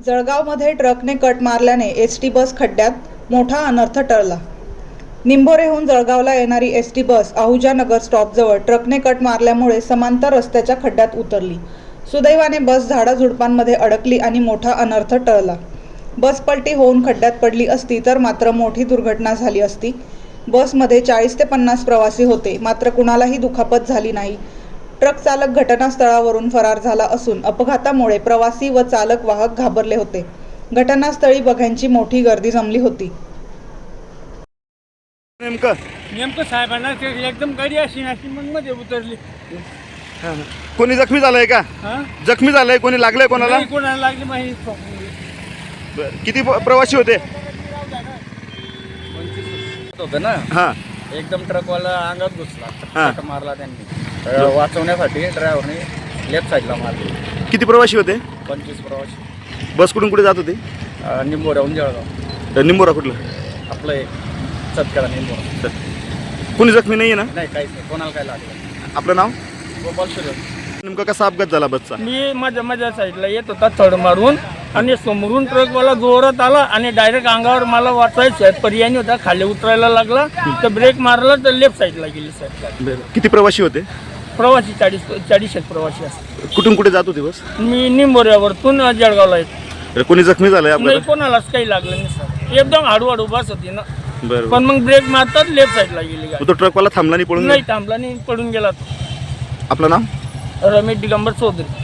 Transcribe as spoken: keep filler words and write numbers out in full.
जळगावमध्ये ट्रकने कट मारल्याने एस टी बस खड्ड्यात, मोठा अनर्थ टळला. निंभोरेहून जळगावला येणारी S T bus Ahuja Nagar स्टॉपजवळ ट्रकने कट मारल्यामुळे समांतर रस्त्याच्या खड्ड्यात उतरली. सुदैवाने बस झाडाझुडपांमध्ये अडकली आणि मोठा अनर्थ टळला. बस पलटी होऊन खड्ड्यात पडली असती तर मात्र मोठी दुर्घटना झाली असती. बसमध्ये चाळीस ते पन्नास प्रवासी होते, मात्र कुणालाही दुखापत झाली नाही. ट्रक चालक घटनास्थळावरून फरार झाला असून अपघातामुळे प्रवासी व चालक वाहक घाबरले होते. घटनास्थळी बघ्यांची मोठी गर्दी जमली होती. नेमकं नेमकं साहेबांना ते एकदम गाडी अशी अशी मग मध्ये उतरली. कोणी जखमी झालंय का? हा जखमी झालंय कोणी? लागलंय कोणाला? नाही, कोणाला लागली माहिती. बरं. किती प- प्रवासी होते? होतं ना, हा एकदम ट्रकवाला अंगात घुसला, हा. फटका मारला त्यांनी. अं, वाचवण्यासाठी ड्रायव्हरने लेफ्ट साईडला मारली. किती प्रवासी होते? पंचवीस प्रवासी. बस कुठून कुठे जात होती? अं, निंबोऱ्याहून जळगाव. निंबोरा कुठलं? आपलं एक सतकडा निंबोरा. कोणी जखमी नाहीये ना? नाही, काहीच नाही, कोणाला काय लागलं. आपलं नाव? गोपाल सूर्य. नेमका कसा अपघात झाला बसचा? मी माझ्या माझ्या साईडला येत होता थड मारून आणि समोरून ट्रकवाला जोरात आला आणि डायरेक्ट अंगावर मला वाचायचं पर्याय होता, खाली उतरायला लागला तर ब्रेक मारला तर लेफ्ट साईडला गेली. साईडला किती प्रवासी होते? प्रवासी चाळीस चाळीस एक प्रवासी असतात. कुठून कुठे जात होती बस? मी निंबोऱ्यावरतून जळगावला येतो. कोणी जखमी झालंय नाही, अपघातात? कोणालाच काही लागलं नाही सर. एकदम हळूहळू बस होती ना, बरं. पण मग ब्रेक मारतात लेफ्ट साईडला गेली गाडी. तो ट्रकवाला थांबला नाही, पळून नाही गेला? थांबला नाही, पडून गेला तो. आपलं नाव? रमेश दिगंबर चौधरी.